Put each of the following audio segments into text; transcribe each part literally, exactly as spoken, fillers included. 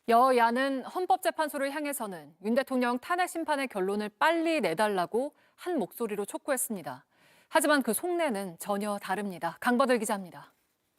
여야는 헌법재판소를 향해서는 윤 대통령 탄핵 심판의 결론을 빨리 내달라고 한 목소리로 촉구했습니다. 하지만 그 속내는 전혀 다릅니다. 강버들 기자입니다.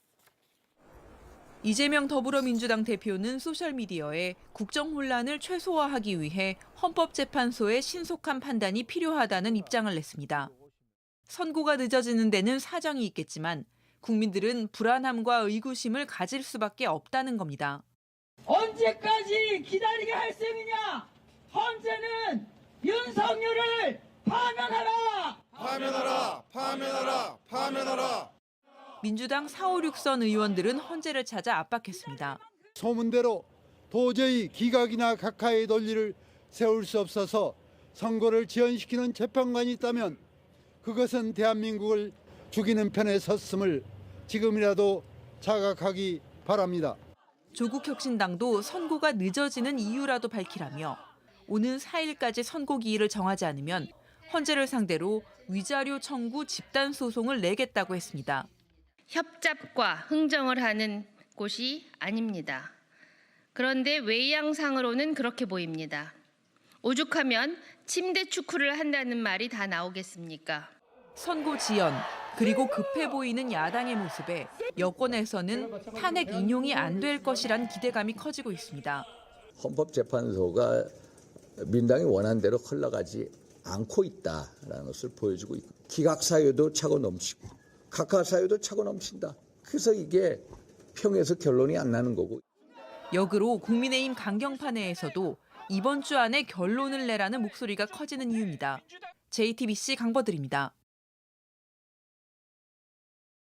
이재명 더불어민주당 대표는 소셜미디어에 국정 혼란을 최소화하기 위해 헌법재판소의 신속한 판단이 필요하다는 입장을 냈습니다. 선고가 늦어지는 데는 사정이 있겠지만 국민들은 불안함과 의구심을 가질 수밖에 없다는 겁니다. 언제까지 기다리게 할 셈이냐? 헌재는 윤석열을 파면하라! 파면하라! 파면하라! 파면하라! 민주당 사, 오, 육 선 의원들은 헌재를 찾아 압박했습니다. 소문대로 도저히 기각이나 각하의 논리를 세울 수 없어서 선고를 지연시키는 재판관이 있다면 그것은 대한민국을 죽이는 편에 섰음을 지금이라도 자각하기 바랍니다. 조국혁신당도 선고가 늦어지는 이유라도 밝히라며 오는 사 일까지 선고 기일을 정하지 않으면 헌재를 상대로 위자료 청구 집단 소송을 내겠다고 했습니다. 협잡과 흥정을 하는 곳이 아닙니다. 그런데 외양상으로는 그렇게 보입니다. 오죽하면 침대 축구를 한다는 말이 다 나오겠습니까? 선고 지연, 그리고 급해 보이는 야당의 모습에 여권에서는 탄핵 인용이 안 될 것이란 기대감이 커지고 있습니다. 헌법재판소가 민당이 원하는 대로 흘러가지 않고 있다는 것을 보여주고 있고 기각 사유도 차고 넘치고 각하 사유도 차고 넘친다. 그래서 이게 평에서 결론이 안 나는 거고. 역으로 국민의힘 강경파 내에서도 이번 주 안에 결론을 내라는 목소리가 커지는 이유입니다. 제이티비씨 강버들입니다.